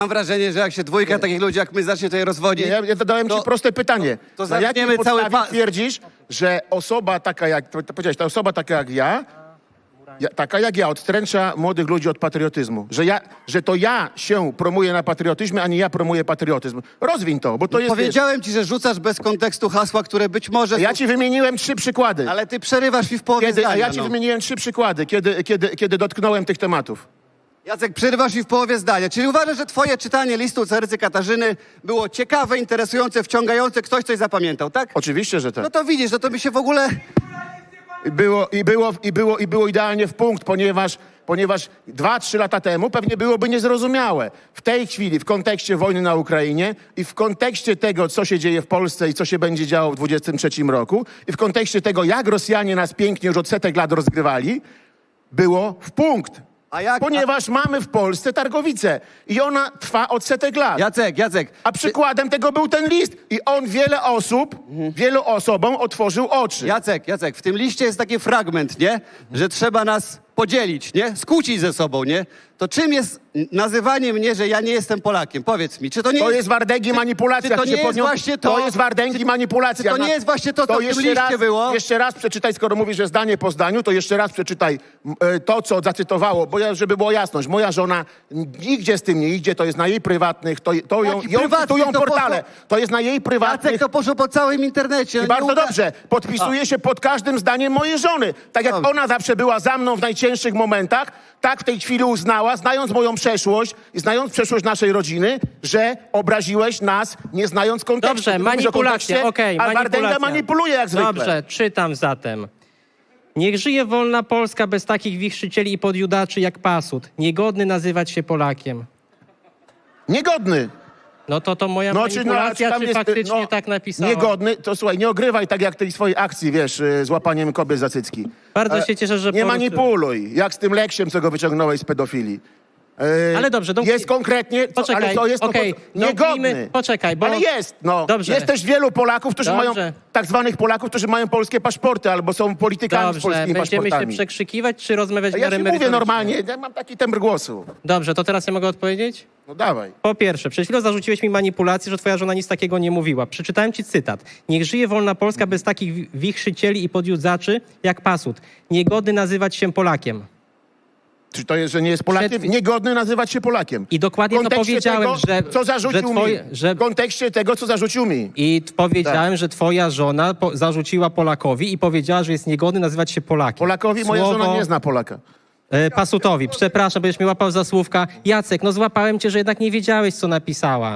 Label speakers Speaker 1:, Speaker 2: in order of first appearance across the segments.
Speaker 1: Mam wrażenie, że jak się dwójka takich ludzi jak my zacznie tutaj rozwodzić...
Speaker 2: Ja zadałem ci proste pytanie.
Speaker 1: to
Speaker 2: Na jakiej
Speaker 1: zaczniemy cały
Speaker 2: podstawie twierdzisz, że osoba taka jak... Powiedziałeś, ta osoba taka jak ja, taka jak ja, odstręcza młodych ludzi od patriotyzmu. Że to ja się promuję na patriotyzmie, a nie ja promuję patriotyzm. Rozwiń to, bo to jest...
Speaker 1: Powiedziałem ci, że rzucasz bez kontekstu hasła, które być może...
Speaker 2: Ja ci wymieniłem 3 przykłady.
Speaker 1: Ale ty przerywasz mi w połowie zdania.
Speaker 2: A ja ci wymieniłem 3 przykłady, kiedy dotknąłem tych tematów.
Speaker 1: Jacek, przerywasz mi w połowie zdania. Czyli uważasz, że twoje czytanie listu Carycy Katarzyny było ciekawe, interesujące, wciągające, ktoś coś zapamiętał, tak?
Speaker 2: Oczywiście, że tak.
Speaker 1: No to widzisz, no to by się w ogóle...
Speaker 2: Było idealnie w punkt, ponieważ 2-3 lata temu pewnie byłoby niezrozumiałe. W tej chwili, w kontekście wojny na Ukrainie i w kontekście tego, co się dzieje w Polsce i co się będzie działo w 2023 roku i w kontekście tego, jak Rosjanie nas pięknie już od setek lat rozgrywali, było w punkt. Ponieważ mamy w Polsce targowicę i ona trwa od setek lat.
Speaker 1: Jacek.
Speaker 2: A przykładem tego był ten list i on wielu osobom otworzył oczy.
Speaker 1: Jacek, w tym liście jest taki fragment, nie? Że trzeba nas podzielić, nie? Skłócić ze sobą, nie? To czym jest nazywanie mnie, że ja nie jestem Polakiem? Powiedz mi, czy to nie
Speaker 2: To jest wardęgi manipulacja.
Speaker 1: Czy to nie jest właśnie to?
Speaker 2: To jest wardęgi manipulacja.
Speaker 1: Czy to nie jest właśnie to, co w tym liście było?
Speaker 2: Jeszcze raz przeczytaj, skoro mówisz, że zdanie po zdaniu, to jeszcze raz przeczytaj to, co zacytowało, żeby była jasność. Moja żona nigdzie z tym nie idzie, to jest na jej prywatnych, ją cytują portale. To jest na jej prywatnych...
Speaker 1: Jacek, to poszło po całym internecie.
Speaker 2: I bardzo dobrze. Podpisuje się pod każdym zdaniem mojej żony. Tak jak ona zawsze była za mną w najcięższych momentach, tak w tej chwili uznała, znając moją przeszłość i znając przeszłość naszej rodziny, że obraziłeś nas, nie znając kontekstu.
Speaker 3: Dobrze, manipulacja, okej,
Speaker 2: a Wardęga manipuluje jak zwykle.
Speaker 3: Dobrze, czytam zatem. Niech żyje wolna Polska bez takich wichrzycieli i podjudaczy jak Pasut. Niegodny nazywać się Polakiem.
Speaker 2: Niegodny.
Speaker 3: No to moja manipulacja, czy faktycznie tak napisała?
Speaker 2: Niegodny, to słuchaj, nie ogrywaj tak jak tej swojej akcji, wiesz, z łapaniem kobiet za cycki.
Speaker 3: Bardzo się cieszę, że...
Speaker 2: Nie manipuluj, jak z tym Leksiem, co go wyciągnąłeś z pedofilii.
Speaker 3: Ale dobrze,
Speaker 2: jest konkretnie,
Speaker 3: poczekaj,
Speaker 2: ale to jest niegodny.
Speaker 3: Poczekaj, bo...
Speaker 2: Ale jest, no.
Speaker 3: Dobrze.
Speaker 2: Jest też wielu Polaków, którzy mają, tak zwanych Polaków, którzy mają polskie paszporty albo są politykami z polskimi
Speaker 3: będziemy
Speaker 2: paszportami.
Speaker 3: się przekrzykiwać, czy rozmawiać w
Speaker 2: Ja
Speaker 3: miarę
Speaker 2: ci mówię
Speaker 3: merytorycznie?
Speaker 2: normalnie, ja mam taki temper głosu.
Speaker 3: Dobrze, to teraz ja mogę odpowiedzieć?
Speaker 2: No dawaj.
Speaker 3: Po pierwsze, przed chwilą zarzuciłeś mi manipulację, że twoja żona nic takiego nie mówiła. Przeczytałem ci cytat. Niech żyje wolna Polska bez takich wichrzycieli i podjudzaczy jak Pasut. Niegodny nazywać się Polakiem.
Speaker 2: Czy to jest, że nie jest Polakiem? Niegodny nazywać się Polakiem.
Speaker 3: I dokładnie to powiedziałem,
Speaker 2: co zarzucił mi. W kontekście tego, co zarzucił mi.
Speaker 3: I powiedziałem, że twoja żona zarzuciła Polakowi i powiedziała, że jest niegodny nazywać się Polakiem.
Speaker 2: Polakowi moja żona nie zna Polaka.
Speaker 3: Pasutowi. Przepraszam, będziesz mnie łapał za słówka. Jacek, no złapałem cię, że jednak nie wiedziałeś, co napisała.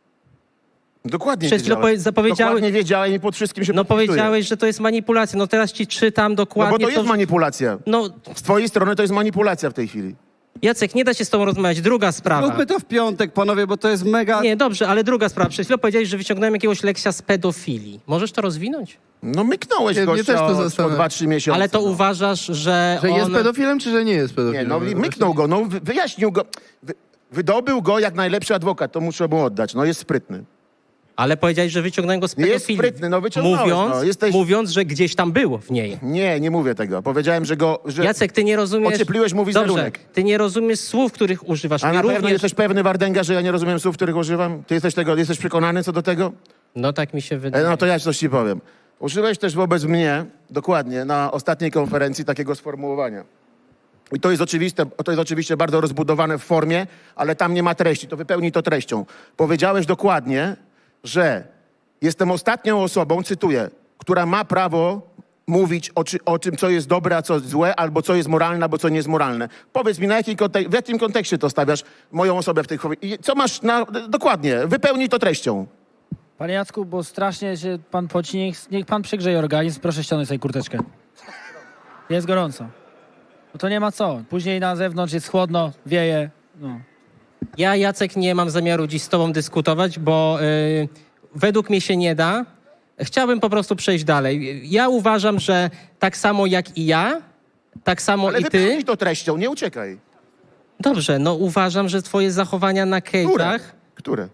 Speaker 2: Dokładnie
Speaker 3: Przed chwilą
Speaker 2: Dokładnie wiedziałem i pod wszystkim się podpisuję.
Speaker 3: powiedziałeś, że to jest manipulacja. No teraz ci czytam dokładnie...
Speaker 2: No bo to jest manipulacja.
Speaker 3: No,
Speaker 2: z twojej strony to jest manipulacja w tej chwili.
Speaker 3: Jacek, nie da się z tobą rozmawiać. Druga sprawa.
Speaker 1: Róbmy to w piątek, panowie, bo to jest mega...
Speaker 3: Nie, dobrze, ale druga sprawa. Przed chwilą powiedziałeś, że wyciągnąłem jakiegoś Leksia z pedofilii. Możesz to rozwinąć?
Speaker 2: No myknąłeś
Speaker 4: mnie też to
Speaker 2: o
Speaker 4: zastanawia.
Speaker 2: 2-3 miesiące.
Speaker 3: Ale to uważasz, że
Speaker 4: Że
Speaker 3: on...
Speaker 4: jest pedofilem, czy że nie jest
Speaker 2: Nie,
Speaker 4: pedofilem?
Speaker 2: no myknął go, no wyjaśnił go. Wydobył go jak najlepszy adwokat, to muszę mu oddać. No jest sprytny.
Speaker 3: Ale powiedziałeś, że wyciągnąłem go z pedofilii.
Speaker 2: Jest sprytny, no wyciągnąłeś.
Speaker 3: Mówiąc, że gdzieś tam był w niej.
Speaker 2: Nie mówię tego. Powiedziałem, że go... Że
Speaker 3: Jacek, ty nie rozumiesz...
Speaker 2: Ociepliłeś mu wizerunek.
Speaker 3: Dobrze, ty nie rozumiesz słów, których używasz.
Speaker 2: A na pewno jesteś pewny, Wardęga, że ja nie rozumiem słów, których używam? Ty jesteś przekonany co do tego?
Speaker 3: No tak mi się wydaje.
Speaker 2: No to ja coś ci powiem. Użyłeś też wobec mnie, dokładnie, na ostatniej konferencji takiego sformułowania. I to jest oczywiście bardzo rozbudowane w formie, ale tam nie ma treści. To wypełnij to treścią. Powiedziałeś dokładnie, że jestem ostatnią osobą, cytuję, która ma prawo mówić o tym, co jest dobre, a co złe, albo co jest moralne, albo co nie jest moralne. Powiedz mi, w jakim kontekście to stawiasz moją osobę w tej chwili? I co masz dokładnie? Wypełnij to treścią.
Speaker 5: Panie Jacku, bo strasznie się pan poci, niech pan przygrzeje organizm, proszę ściągnąć sobie kurteczkę. Jest gorąco. No to nie ma co. Później na zewnątrz jest chłodno, wieje. No.
Speaker 3: Ja, Jacek, nie mam zamiaru dziś z tobą dyskutować, bo według mnie się nie da. Chciałbym po prostu przejść dalej. Ja uważam, że tak samo jak i ja, tak samo
Speaker 2: Ale
Speaker 3: i ty...
Speaker 2: wypełnij to treścią, nie uciekaj.
Speaker 3: Dobrze, no uważam, że twoje zachowania na cage'ach...
Speaker 2: Które?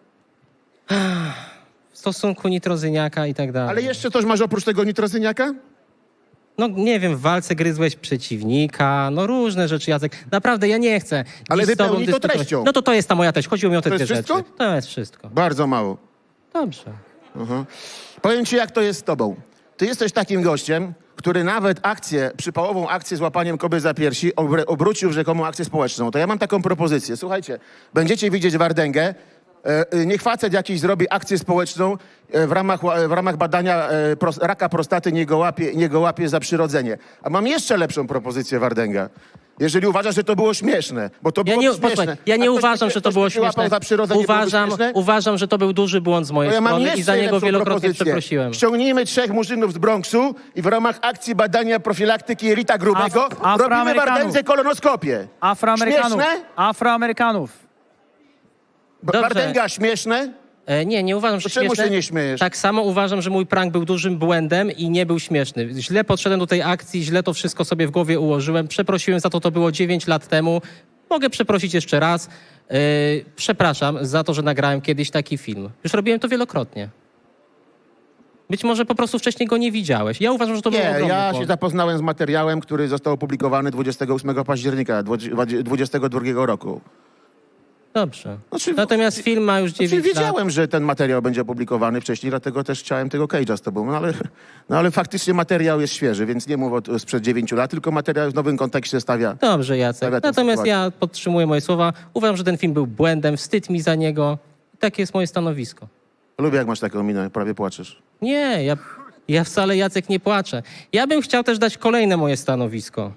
Speaker 3: W stosunku nitrozyniaka i tak dalej.
Speaker 2: Ale jeszcze coś masz oprócz tego nitrozyniaka?
Speaker 3: No nie wiem, w walce gryzłeś przeciwnika, no różne rzeczy, Jacek. Naprawdę ja nie chcę.
Speaker 2: Ale
Speaker 3: dziś z tobą
Speaker 2: wypełnij to
Speaker 3: dyskutować.
Speaker 2: treścią.
Speaker 3: No to jest ta moja treść. Chodziło mi o te
Speaker 2: To
Speaker 3: dwie
Speaker 2: jest
Speaker 3: rzeczy.
Speaker 2: wszystko?
Speaker 3: To jest wszystko.
Speaker 2: Bardzo mało.
Speaker 3: Dobrze.
Speaker 2: Powiem ci, jak to jest z tobą. Ty jesteś takim gościem, który nawet przypałową akcję z łapaniem kobiet za piersi obrócił w rzekomą akcję społeczną. To ja mam taką propozycję. Słuchajcie, będziecie widzieć Wardęgę, niech facet jakiś zrobi akcję społeczną w ramach badania raka prostaty, nie go łapie za przyrodzenie. A mam jeszcze lepszą propozycję, Wardęga. Jeżeli uważasz, że to było śmieszne, bo to było śmieszne.
Speaker 3: Posłuchaj, ja nie uważam, że to było śmieszne.
Speaker 2: Za przyrodzenie
Speaker 3: Uważam, że to był duży błąd z mojej strony i za niego wielokrotnie przeprosiłem.
Speaker 2: Ściągnijmy 3 murzynów z Bronxu i w ramach akcji badania profilaktyki jelita grubego robimy Wardędze kolonoskopię. Śmieszne?
Speaker 5: Afroamerykanów.
Speaker 3: Dobrze.
Speaker 2: Wardęga śmieszne?
Speaker 3: Nie uważam, że
Speaker 2: To czemu
Speaker 3: śmieszne.
Speaker 2: się nie śmiejesz?
Speaker 3: Tak samo uważam, że mój prank był dużym błędem i nie był śmieszny. Źle podszedłem do tej akcji, źle to wszystko sobie w głowie ułożyłem. Przeprosiłem za to było 9 lat temu. Mogę przeprosić jeszcze raz. Przepraszam za to, że nagrałem kiedyś taki film. Już robiłem to wielokrotnie. Być może po prostu wcześniej go nie widziałeś. Ja uważam, że to był
Speaker 2: Nie,
Speaker 3: ogromny
Speaker 2: ja się
Speaker 3: błąd.
Speaker 2: zapoznałem z materiałem, który został opublikowany 28 października 2022 roku.
Speaker 3: Dobrze.
Speaker 2: Znaczy,
Speaker 3: Natomiast film ma już 9 lat.
Speaker 2: Wiedziałem, że ten materiał będzie opublikowany wcześniej, dlatego też chciałem tego cage'a z tobą. No ale faktycznie materiał jest świeży, więc nie mów sprzed 9 lat, tylko materiał w nowym kontekście stawia.
Speaker 3: Dobrze, Jacek.
Speaker 2: Stawia tę
Speaker 3: Natomiast
Speaker 2: sytuację.
Speaker 3: ja podtrzymuję moje słowa. Uważam, że ten film był błędem, wstyd mi za niego. Takie jest moje stanowisko.
Speaker 2: Lubię, jak masz taką minę, prawie płaczesz.
Speaker 3: Nie, ja wcale, Jacek, nie płaczę. Ja bym chciał też dać kolejne moje stanowisko.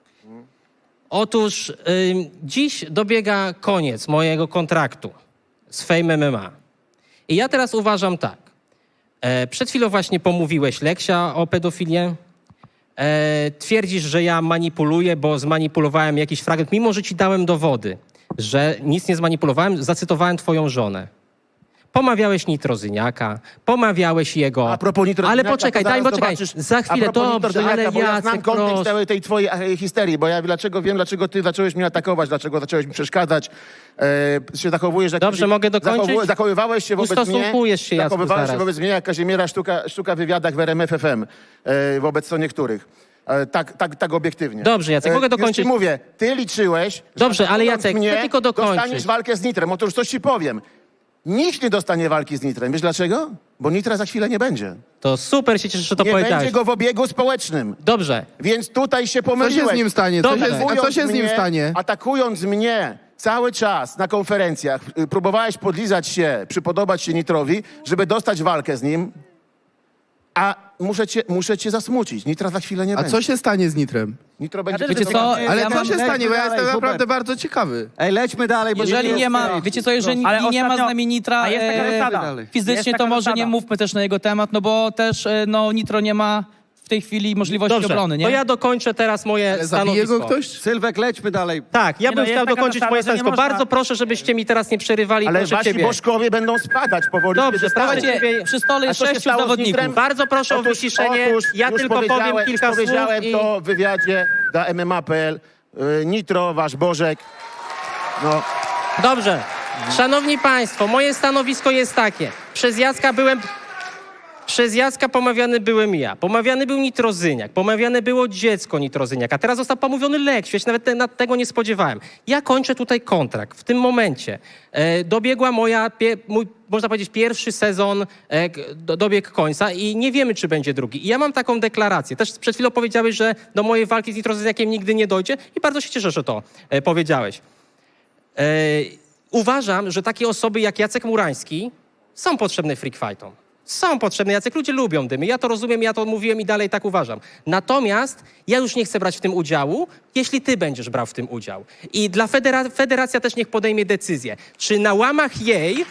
Speaker 3: Otóż dziś dobiega koniec mojego kontraktu z Fame MMA. I ja teraz uważam tak. Przed chwilą właśnie pomówiłeś Leksia o pedofilię. Twierdzisz, że ja manipuluję, bo zmanipulowałem jakiś fragment, mimo że ci dałem dowody, że nic nie zmanipulowałem, zacytowałem twoją żonę. Pomawiałeś Nitrozyniaka, pomawiałeś jego...
Speaker 2: A propos Nitrozyniaka,
Speaker 3: Ale poczekaj,
Speaker 2: to zaraz
Speaker 3: poczekaj,
Speaker 2: zobaczysz-
Speaker 3: za chwilę,
Speaker 2: a propos
Speaker 3: dobrze,
Speaker 2: Nitrozyniaka,
Speaker 3: ale
Speaker 2: bo ja znam
Speaker 3: Jacek,
Speaker 2: kontekst
Speaker 3: proszę.
Speaker 2: całej tej twojej histerii, bo ja wiem, dlaczego ty zacząłeś mnie atakować, dlaczego zacząłeś mi przeszkadzać, się zachowujesz... Jak
Speaker 3: Dobrze, mogę dokończyć?
Speaker 2: Zachowywałeś się wobec mnie...
Speaker 3: Ustosunkujesz się, Jacku,
Speaker 2: Zachowywałeś się
Speaker 3: zaraz.
Speaker 2: wobec mnie jak Kazimiera Sztuka w wywiadach w RMF FM, wobec co niektórych. Tak obiektywnie.
Speaker 3: Dobrze, Jacek, mogę
Speaker 2: Już
Speaker 3: dokończyć?
Speaker 2: ci mówię, ty liczyłeś, że
Speaker 3: Dobrze, ale
Speaker 2: atakując
Speaker 3: Jacek,
Speaker 2: mnie,
Speaker 3: chcę tylko dokończyć.
Speaker 2: dostaniesz walkę z Nitrem. Otóż coś ci powiem. Nikt nie dostanie walki z Nitrem. Wiesz dlaczego? Bo Nitra za chwilę nie będzie.
Speaker 3: To super się cieszę, że to
Speaker 2: Nie
Speaker 3: powiedziałeś.
Speaker 2: będzie go w obiegu społecznym.
Speaker 3: Dobrze.
Speaker 2: Więc tutaj się
Speaker 4: Co
Speaker 2: pomyliłeś.
Speaker 4: się z nim stanie?
Speaker 3: Dobrze.
Speaker 4: A co się z nim stanie?
Speaker 2: Atakując mnie cały czas na konferencjach, próbowałeś podlizać się, przypodobać się Nitrowi, żeby dostać walkę z nim, a muszę cię zasmucić. Nitra za chwilę nie
Speaker 4: A
Speaker 2: będzie.
Speaker 4: co się stanie z Nitrem?
Speaker 2: Nitro będzie...
Speaker 5: Wiecie co?
Speaker 4: Ale
Speaker 5: Ja
Speaker 4: co
Speaker 5: mam-
Speaker 4: się stanie? Bo ja jestem
Speaker 1: Hubert.
Speaker 4: naprawdę bardzo ciekawy.
Speaker 1: Ej, lećmy dalej, bo
Speaker 6: Jeżeli nie ma,
Speaker 1: jest-
Speaker 6: wiecie co, jeżeli
Speaker 5: Ale
Speaker 6: nie ma z
Speaker 5: ostatnio-
Speaker 6: nami Nitra
Speaker 5: A jest taka zasada. Jest
Speaker 6: fizycznie,
Speaker 5: taka
Speaker 6: to może
Speaker 5: zasada.
Speaker 6: nie mówmy też na jego temat, no bo też no, Nitro nie ma w tej chwili możliwości
Speaker 3: Dobrze,
Speaker 6: obrony, nie?
Speaker 3: to ja dokończę teraz moje
Speaker 4: Ale zabije
Speaker 3: stanowisko.
Speaker 4: go ktoś?
Speaker 1: Sylwek, lećmy dalej.
Speaker 3: Tak, ja
Speaker 5: Nie,
Speaker 3: bym
Speaker 5: no, jest
Speaker 3: chciał
Speaker 5: taka
Speaker 3: dokończyć
Speaker 5: zasada,
Speaker 3: moje
Speaker 5: że nie
Speaker 3: stanowisko.
Speaker 5: można-
Speaker 3: Bardzo proszę, żebyście mi teraz nie przerywali.
Speaker 2: Ale
Speaker 3: proszę
Speaker 2: wasi
Speaker 3: ciebie.
Speaker 2: bożkowie będą spadać powoli.
Speaker 3: Dobrze,
Speaker 2: kiedy
Speaker 3: starajcie
Speaker 2: staną.
Speaker 3: się-
Speaker 6: Słuchajcie, przy stole
Speaker 2: A
Speaker 6: jest
Speaker 2: co się
Speaker 6: 6
Speaker 2: stało z
Speaker 6: zawodników.
Speaker 2: Nitrem?
Speaker 3: Bardzo proszę o wyciszenie. Ja
Speaker 2: już
Speaker 3: tylko powiem kilka słów
Speaker 2: powiedziałem
Speaker 3: i...
Speaker 2: to w wywiadzie dla MMA.pl. Nitro, wasz Bożek. No,
Speaker 3: Dobrze. Szanowni Państwo, moje stanowisko jest takie. Przez Jacka pomawiany byłem ja. Pomawiany był Nitrozyniak. Pomawiane było dziecko Nitrozyniaka. Teraz został pomówiony Leksiu. Ja się nawet tego nie spodziewałem. Ja kończę tutaj kontrakt. W tym momencie dobiegła mój, można powiedzieć, pierwszy sezon dobiegł końca i nie wiemy, czy będzie drugi. I ja mam taką deklarację. Też przed chwilą powiedziałeś, że do mojej walki z Nitrozyniakiem nigdy nie dojdzie i bardzo się cieszę, że to powiedziałeś. Uważam, że takie osoby jak Jacek Murański są potrzebne freak fightom. Są potrzebne. Jacek, ludzie lubią dymy. Ja to rozumiem, ja to mówiłem i dalej tak uważam. Natomiast ja już nie chcę brać w tym udziału, jeśli ty będziesz brał w tym udział. I dla federacja też niech podejmie decyzję, czy na łamach jej...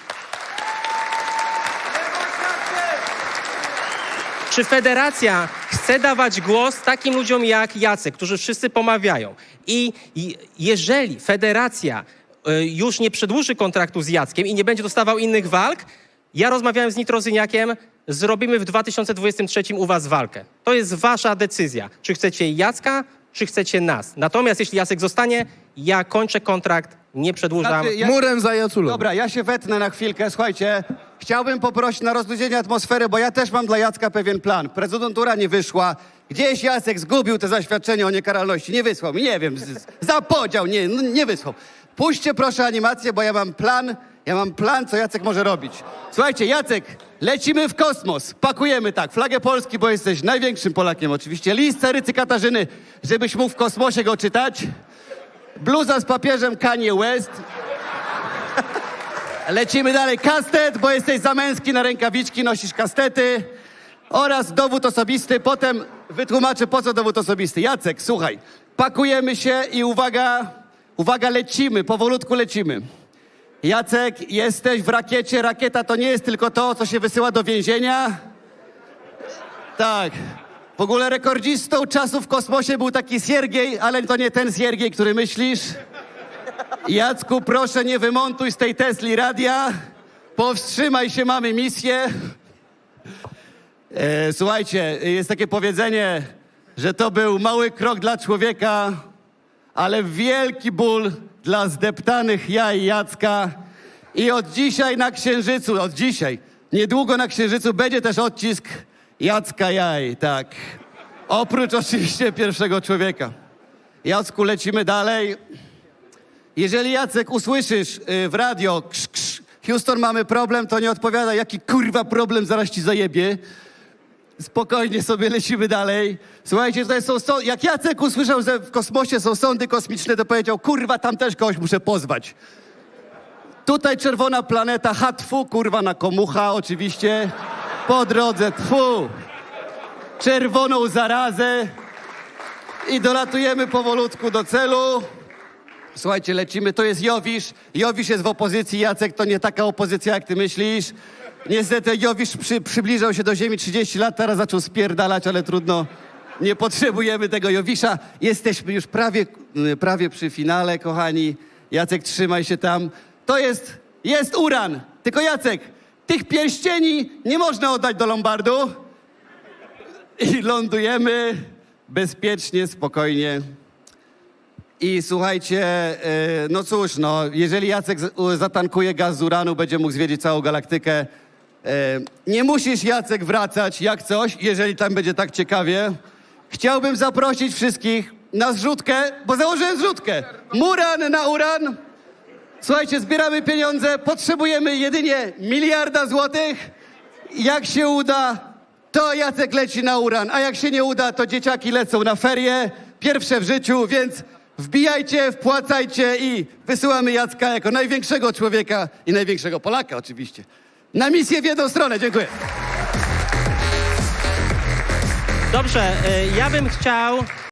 Speaker 3: Czy federacja chce dawać głos takim ludziom jak Jacek, którzy wszyscy pomawiają? I jeżeli federacja już nie przedłuży kontraktu z Jackiem i nie będzie dostawał innych walk, ja rozmawiałem z Nitrozyniakiem, zrobimy w 2023 u was walkę. To jest wasza decyzja. Czy chcecie Jacka, czy chcecie nas. Natomiast jeśli Jacek zostanie, ja kończę kontrakt, nie przedłużam.
Speaker 1: Znaczy, ja-
Speaker 4: Murem za Jaculą.
Speaker 1: Dobra, ja się wetnę na chwilkę. Słuchajcie, chciałbym poprosić na rozluźnienie atmosfery, bo ja też mam dla Jacka pewien plan. Prezydentura nie wyszła. Gdzieś Jacek zgubił te zaświadczenie o niekaralności. Nie wysłał mi, nie wiem, zapodział, nie wysłał. Puśćcie proszę animację, bo ja mam plan, co Jacek może robić. Słuchajcie, Jacek, lecimy w kosmos. Pakujemy tak, flagę Polski, bo jesteś największym Polakiem oczywiście. List Carycy Katarzyny, żebyś mógł w kosmosie go czytać. Bluza z papieżem Kanye West. Lecimy dalej. Kastet, bo jesteś za męski, na rękawiczki nosisz kastety. Oraz dowód osobisty. Potem wytłumaczę, po co dowód osobisty. Jacek, słuchaj, pakujemy się i uwaga, lecimy, powolutku lecimy. Jacek, jesteś w rakiecie. Rakieta to nie jest tylko to, co się wysyła do więzienia. Tak. W ogóle rekordzistą czasu w kosmosie był taki Siergiej, ale to nie ten Siergiej, który myślisz. Jacku, proszę, nie wymontuj z tej Tesli radia. Powstrzymaj się, mamy misję. Słuchajcie, jest takie powiedzenie, że to był mały krok dla człowieka, ale wielki ból dla zdeptanych jaj Jacka. I od dzisiaj na Księżycu, niedługo na Księżycu będzie też odcisk Jacka jaj, tak. Oprócz oczywiście pierwszego człowieka. Jacku, lecimy dalej. Jeżeli, Jacek, usłyszysz w radio Houston, mamy problem, to nie odpowiada, jaki kurwa problem, zaraz ci zajebie. Spokojnie sobie lecimy dalej. Słuchajcie, tutaj jak Jacek usłyszał, że w kosmosie są sądy kosmiczne, to powiedział, kurwa, tam też kogoś muszę pozwać. Tutaj czerwona planeta, tfu, kurwa, na komucha oczywiście. Po drodze, tfu. Czerwoną zarazę. I dolatujemy powolutku do celu. Słuchajcie, lecimy, to jest Jowisz. Jowisz jest w opozycji, Jacek, to nie taka opozycja, jak ty myślisz. Niestety Jowisz przybliżał się do ziemi 30 lat, teraz zaczął spierdalać, ale trudno, nie potrzebujemy tego Jowisza. Jesteśmy już prawie przy finale, kochani. Jacek, trzymaj się tam. To jest uran. Tylko Jacek, tych pierścieni nie można oddać do Lombardu. I lądujemy bezpiecznie, spokojnie. I słuchajcie, no cóż, jeżeli Jacek zatankuje gaz z uranu, będzie mógł zwiedzić całą galaktykę. Nie musisz, Jacek, wracać jak coś, jeżeli tam będzie tak ciekawie. Chciałbym zaprosić wszystkich na zrzutkę, bo założyłem zrzutkę. Muran na uran. Słuchajcie, zbieramy pieniądze, potrzebujemy jedynie 1 miliarda złotych. Jak się uda, to Jacek leci na uran, a jak się nie uda, to dzieciaki lecą na ferie, pierwsze w życiu, więc wbijajcie, wpłacajcie i wysyłamy Jacka jako największego człowieka i największego Polaka oczywiście. Na misję w jedną stronę. Dziękuję.
Speaker 3: Dobrze, ja bym chciał